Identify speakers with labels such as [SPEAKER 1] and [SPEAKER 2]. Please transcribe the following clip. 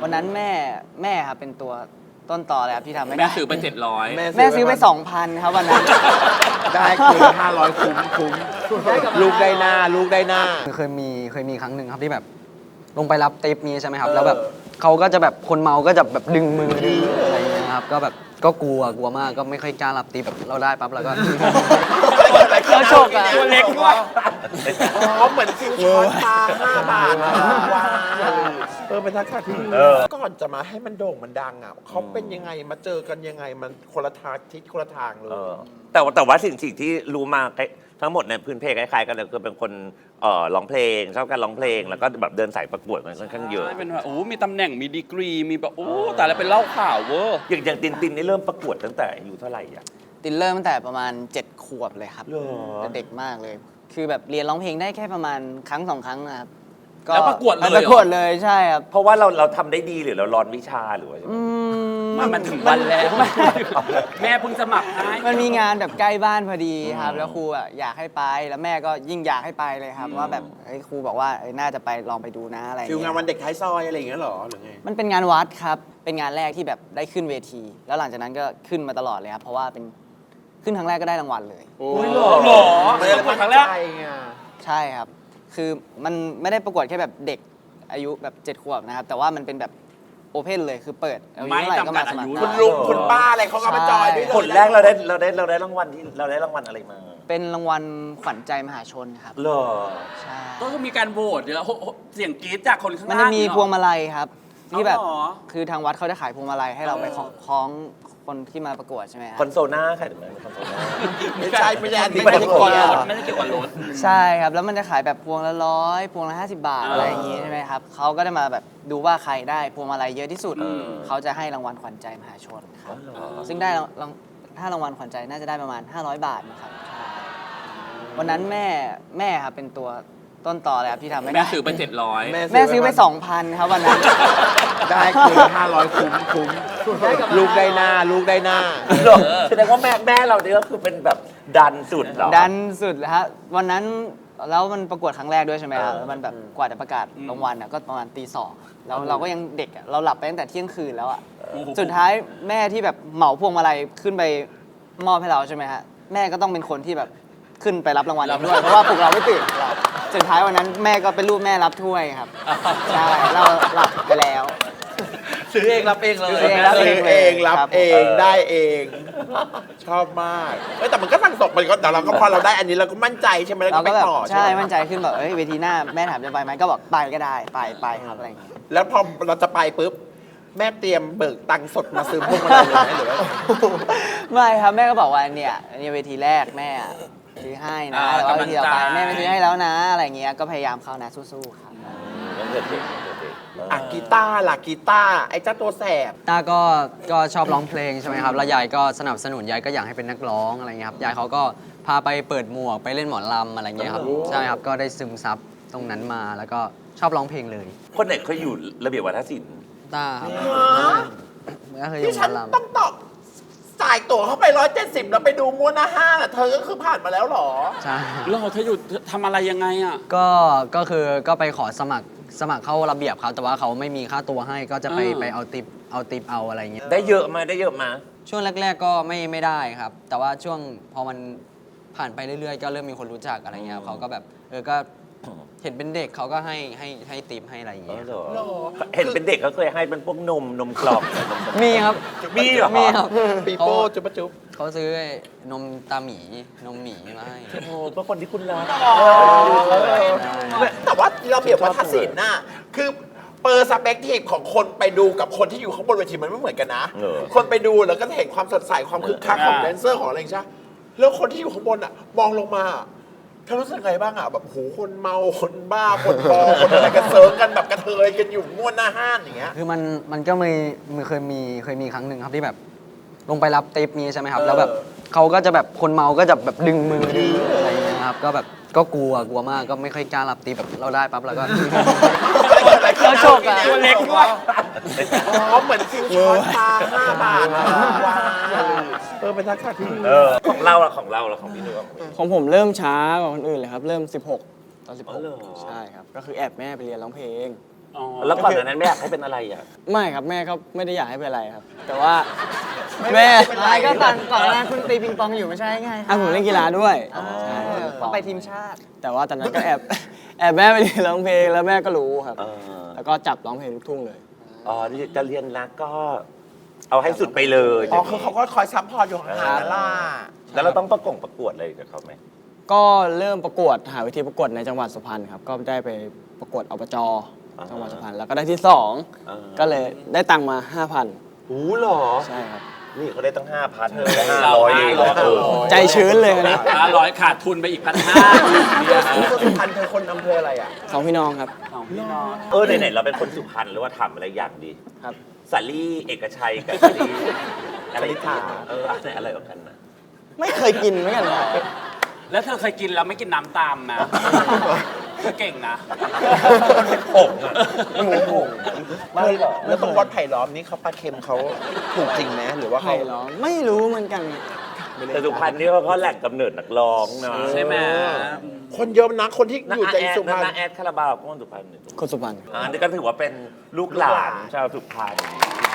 [SPEAKER 1] วันนั้นแม่ครับเป็นตัวต้นต่อเลยครับที่ทำให้
[SPEAKER 2] แม่ซื้อไป700
[SPEAKER 1] แม่ซื้อไป 2,000 ครับวันนั้น
[SPEAKER 3] ได้คืน500คุ้มลูกได้หน้าลูกได้หน้า
[SPEAKER 4] เคยมีครั้งหนึ่งครับที่แบบลงไปรับเทปนี้ใช่ไหมครับแล้วแบบเขาก็จะแบบคนเมาก็จะแบบดึงมือดึงอะไรอย่างเงี้ยครับก็แบบก็กลัวมากก็ไม่ค่อยกล้ารับตีแบบเราได้ปั๊บแล้วก็
[SPEAKER 1] เขาโชคอะ
[SPEAKER 2] ตัวเล็กด้วย
[SPEAKER 3] เขาเหมือนซิวช้อนปลา5 บาทว้าวเป็นทักษะที่ดีก่อนจะมาให้มันโด่งมันดังอ่ะเขาเป็นยังไงมาเจอกันยังไงมันคนละทางทิศคนละทางเลย
[SPEAKER 5] แต่ว่าสิ่งที่รู้มาทั้งหมดในพื้นเพคล้ายๆกันเลยคือเป็นคนร้องเพลงชอบการร้องเพลงแล้วก็แบบเดินสายประกวดมันค่อนข้างเยอะ
[SPEAKER 2] ใช่เป็นแบบมีตำแหน่งมีดีกรีมีแบบแต่ละเป็นเล่าข่าวเวอร์
[SPEAKER 5] อย่างตินนี่เริ่มประกวดตั้งแต่อายุเท่าไหร่อ่ะ
[SPEAKER 1] ตินเริ่มตั้งแต่ประมาณ7 ขวบเลยครับเด็กมากเลย คือแบบเรียนร้องเพลงได้แค่ประมาณครั้ง 2 ครั้งนะครับ
[SPEAKER 2] แล้วประกวดเลย
[SPEAKER 1] ประกวดเลยใช่ครับ
[SPEAKER 5] เพราะว่าเราทำได้ดีหรือเราร้อนวิชาหรือว่า
[SPEAKER 2] มันถึงวันแล้วแม่เพิ่งสมัครให้
[SPEAKER 1] มันมีงานแบบใกล้บ้านพอดีครับแล้วครูอ่ะอยากให้ไปแล้วแม่ก็ยิ่งอยากให้ไปเลยครับว่าแบบครูบอกว่าน่าจะไปลองไปดูนะอะไร
[SPEAKER 3] ฟิลงานวันเด็กท้ายซอยอะไรอย่างเงี้ยหรอหรือไง
[SPEAKER 1] มันเป็นงานวัดครับเป็นงานแรกที่แบบได้ขึ้นเวที แล้วหลังจากนั้นก็ขึ้นมาตลอดเลยครับเพราะว่าเป็นขึ้นครั้งแรกก็ได้รางวัลเลย
[SPEAKER 5] โอ้ยหรอ
[SPEAKER 2] ประกวดครั้งแรก
[SPEAKER 1] ใช่ครับคือมันไม่ได้ประกวดแค่แบบเด็กอายุแบบ7 ขวบนะครับแต่ว่ามันเป็นแบบโอเพนเลยคือเปิดอายุเท่าไหร่ก็มาสมัคร
[SPEAKER 3] คุณลุงคุณป้าอะไรเขาก็มาจอยด้วย
[SPEAKER 5] ผลแรกเราได้รางวัลที่เราได้รางวัลอะไรมา
[SPEAKER 1] เป็นรางวัลขวัญใจมหาชนครับ
[SPEAKER 5] เหรอ
[SPEAKER 1] ใช่
[SPEAKER 2] ก็คือมีการโหวตแล้วเสียงกรี๊ดจากคนข้างล่าง
[SPEAKER 1] มันจะมีพวงมาลัยครับที่แบบคือทางวัดเขาจะขายพวงมาลัยให้เราไปคล้องคนที่มาประกวดใช่ไหมครับ
[SPEAKER 5] คอนโซน่าค่ะหรือคอนโซน่า
[SPEAKER 3] ไม่ใช่อันนี้
[SPEAKER 2] ไม่ได้เกี่ยวกับรถไม่ได้เกี่ยวกับรถ
[SPEAKER 1] ใช่ครับแล้วมันจะขายแบบพวงละ100พวงละ50 บาทอะไรอย่างงี้ใช่ไหมครับเขาก็จะมาแบบดูว่าใครได้พวงมาลัยเยอะที่สุดเขาจะให้รางวัลขวัญใจมหาชนครับซึ่งได้ถ้ารางวัลขวัญใจน่าจะได้ประมาณ500 บาทนะครับวันนั้นแม่ครับเป็นตัวต้นต่อเลยครับที่ทำให้
[SPEAKER 2] แม่ซื้อไป700
[SPEAKER 1] แม่ซื้อไป 2,000 ครับวันนั้น
[SPEAKER 3] ได้คืน500คุ้มลูกได้หน้าลูกได้หน้า
[SPEAKER 5] แสดงว่าแม่เราเนี่ยก็คือเป็นแบบดันสุดเหรอ
[SPEAKER 1] ดันสุดเลยฮะวันนั้นแล้วมันประกวดครั้งแรกด้วยใช่ไหมครับแล้วมันแบบกว่าจะประกาศรางวัลก็ประมาณตี 2แล้วเราก็ยังเด็กเราหลับไปตั้งแต่เที่ยงคืนแล้วอ่ะสุดท้ายแม่ที่แบบเหมาพวงมาลัยขึ้นไปมอบให้เราใช่ไหมฮะแม่ก็ต้องเป็นคนที่แบบขึ้นไปรับรางวัลด้วยเพราะว่าพวกเราไม่ตื่นสุดท้ายวันนั้นแม่ก็เป็นรูปแม่รับถ้วยครับใช่เราหลับไปแล้ว
[SPEAKER 2] ซื้อเองรับเองเลย
[SPEAKER 3] ซื้อเองรับเองได้เองชอบมากแต่มันก็สั่งตกมันก็แต่เราก็พอเราได้อันนี้เราก็มั่นใจใช่ไหมแล้วก็ไปต่อ
[SPEAKER 1] ใช่มั่นใจขึ้นแบบเวทีหน้าแม่ถามจะไปไหมก็บอกไปก็ได้ไปครับอะไรอย่างเงี้ย
[SPEAKER 3] แล้วพอเราจะไปปุ๊บแม่เตรียมเบิกตังค์สดมาซื้อพวกมันเลยไหมหรือว่า
[SPEAKER 1] ไม่ครับแม่ก็บอกว่าเนี่ยเวทีแรกแม่ซื้อให้นะแต่ว่าเวทีต่อไปแม่ไม่ซื้อให้แล้วนะอะไรเงี้ยก็พยายามเข้านะสู้ๆครับ
[SPEAKER 3] กีตาร์ล่ะกีตาร์ไอ้เจ้าตัวแสบ
[SPEAKER 4] ตาก็ชอบร้องเพลงใช่ไหมครับแล้วยายก็สนับสนุนยายก็อยากให้เป็นนักร้องอะไรเงี้ยครับยายเขาก็พาไปเปิดหมวกไปเล่นหมอลำอะไรเงี้ยครับใช่ครับก็ได้ซึมซับตรงนั้นมาแล้วก็ชอบร้องเพลงเลย
[SPEAKER 5] คนไหนเคยอยู่ระเบียบวัฒนศิลป์
[SPEAKER 4] ตาครับ
[SPEAKER 3] ก็เคยอยู่หมอลำต้องตอบจ่ายตั๋วเข้าไป170แล้วไปดูม้วนห้าเธอก็คือผ่านมาแล้วหรอ
[SPEAKER 4] ใช่
[SPEAKER 2] แล้วเธออยู่ทำอะไรยังไงอ่ะ
[SPEAKER 4] ก็คือก็ไปขอสมัครเข้าระเบียบครับแต่ว่าเขาไม่มีค่าตัวให้ก็จะไปเอาติปเอาอะไรเงี้ย
[SPEAKER 5] ได้เยอะมา
[SPEAKER 4] ช่วงแรกๆก็ไม่ได้ครับแต่ว่าช่วงพอมันผ่านไปเรื่อยๆก็เริ่มมีคนรู้จักอะไรเงี้ยเขาก็แบบก็เห็นเป็นเด็กเขาก็ให้ติปให้อะไรอย่างเงี้ย
[SPEAKER 5] เห็นเป็นเด็กเขาเคยให้เป็นพวกนมกล่อง
[SPEAKER 4] มีครับ
[SPEAKER 5] มีเหรอ
[SPEAKER 4] มีครับ
[SPEAKER 3] ปีโป้จุ๊บ
[SPEAKER 4] เขาซื้อนมตาหมีนมหมีมาให้
[SPEAKER 5] โอ้ก็คนที่คุณรัก
[SPEAKER 3] แต่ว่าเราเปรียบว่าทัศน์น่ะคือเปอร์สเปกทีฟของคนไปดูกับคนที่อยู่ข้างบนเวทีมันไม่เหมือนกันนะคนไปดูแล้วก็เห็นความสดใสความคึกคักของแดนเซอร์ของอะไรใช่แล้วคนที่อยู่ข้างบนอ่ะมองลงมาเธอรู้สึกไงบ้างอ่ะแบบโหคนเมาคนบ้าคนบอคนอะไรกันเซิร์ฟกันแบบกระเทยกันอยู่ม้วนหน้าห้านอย่างเงี้ย
[SPEAKER 4] คือมันก็เคยมีครั้งหนึ่งครับที่แบบลงไปรับเทปนี้ใช่ไหมครับแล้วแบบเขาก็จะแบบคนเมาก็จะแบบดึงมือดึงอะไรอย่างเงี้ยครับก็แบบก็กลัวมากก็ไม่ค่อยกล้ารับตีแบบเราได้ปั๊บแล้วก็
[SPEAKER 1] เขาโชคอะ
[SPEAKER 2] ตัวเล็กด้วย
[SPEAKER 3] เขาเหมือนซิวช้อนปลา5 บาทว้าวเป็นทักษะที่ดี
[SPEAKER 5] ของเราของพี่นุ้ย
[SPEAKER 1] ของผมเริ่มช้ากว่าคนอื่นเลยครับเริ่ม16 ตอน 16ใช่ครับก็คือแอบแม่ไปเรียนร้องเพลง
[SPEAKER 2] อ๋อ
[SPEAKER 5] แล้วก่อนหน้านั้นไม่อยากให้เป็นอะไรอ่ะ
[SPEAKER 6] ไม่ครับแม่ก็ไม่ได้อยากให้เป็นอะไรครับ แต่ว่าแม่
[SPEAKER 1] อะไรก็ก่อนหน้านั้นคุณตีปิงปองอยู่ไม่ใช่ไง
[SPEAKER 6] ผมเล่นกีฬาด้วย
[SPEAKER 1] ใช่ต้องไปทีมชาติ
[SPEAKER 6] แต่ว่าตอนนั้นก็แอบแม่ไปเรียนร้องเพลงแล้วแม่ก็รู้ครับ
[SPEAKER 5] เออ
[SPEAKER 6] แล้วก็จับร้องเพลงลูกทุ่งเลย
[SPEAKER 5] อ๋อที่จะเรียนรักก็ เอาให้สุดไปเลย
[SPEAKER 3] อ๋อคือเขาก็คอยซัพพอร์ตอยู่ห่างๆนั่นล่ะ
[SPEAKER 5] แล้วเราต้องประกวดอะไรกับเขาไหม
[SPEAKER 6] ก็เริ่มประกวดหาวิธีประกวดในจังหวัดสุพรรณครับ ก็ได้ไปประกวดอบจจังหวัดสุพรรณแล้วก็ได้ที่ 2 ก็เลยได้ตังค์มา 5,000
[SPEAKER 5] หูหรอ
[SPEAKER 6] ใช่ครับ
[SPEAKER 5] นี่เขาได้ตั้ง 5,000เลย
[SPEAKER 2] เรา
[SPEAKER 5] 500เองเหรอ
[SPEAKER 6] ใจชื้นเลยนะ
[SPEAKER 2] 500ขาดทุนไปอีก 1,500เนี่ย
[SPEAKER 3] คุณสุพรรณเธอคนอำเภออะไรอ่ะ
[SPEAKER 6] สองพี่น้องครับ
[SPEAKER 2] สองพี่น้อง
[SPEAKER 5] ไหนๆเราเป็นคนสุพรรณหรือว่าทำอะไรอย่างดี
[SPEAKER 6] ครับ
[SPEAKER 5] สาลี่เอกชัยกับสาลี่อะไรอะไรแบบกันนะ
[SPEAKER 6] ไม่เคยกินเหมือนกันนะ
[SPEAKER 2] แล้วเธอเคยกินแล้วไม่กินน้ำตามนะเธอเก่งนะ
[SPEAKER 5] มันเป็นผงอะมันเป็นผง
[SPEAKER 3] แล้วตรงวัดไผ่ล้อมนี่เขาปลาเค็มเขาถูกจริงไหมหรือว่า
[SPEAKER 6] ใคร
[SPEAKER 3] เขา
[SPEAKER 6] ร้องไม่รู้เหมือนกัน
[SPEAKER 5] แต่สุพรรณนี่เขาแหล่งกำเนิดนักร้องนะ
[SPEAKER 2] ใช่ไหม
[SPEAKER 3] คนเยอะนะคนที่อยู่ใจสุพรรณ
[SPEAKER 5] น้าแอดคาราบาวก็คนสุพรรณ
[SPEAKER 6] คนสุพรรณ
[SPEAKER 5] อันนี้ก็ถือว่าเป็นลูกหลานชาวสุพรรณ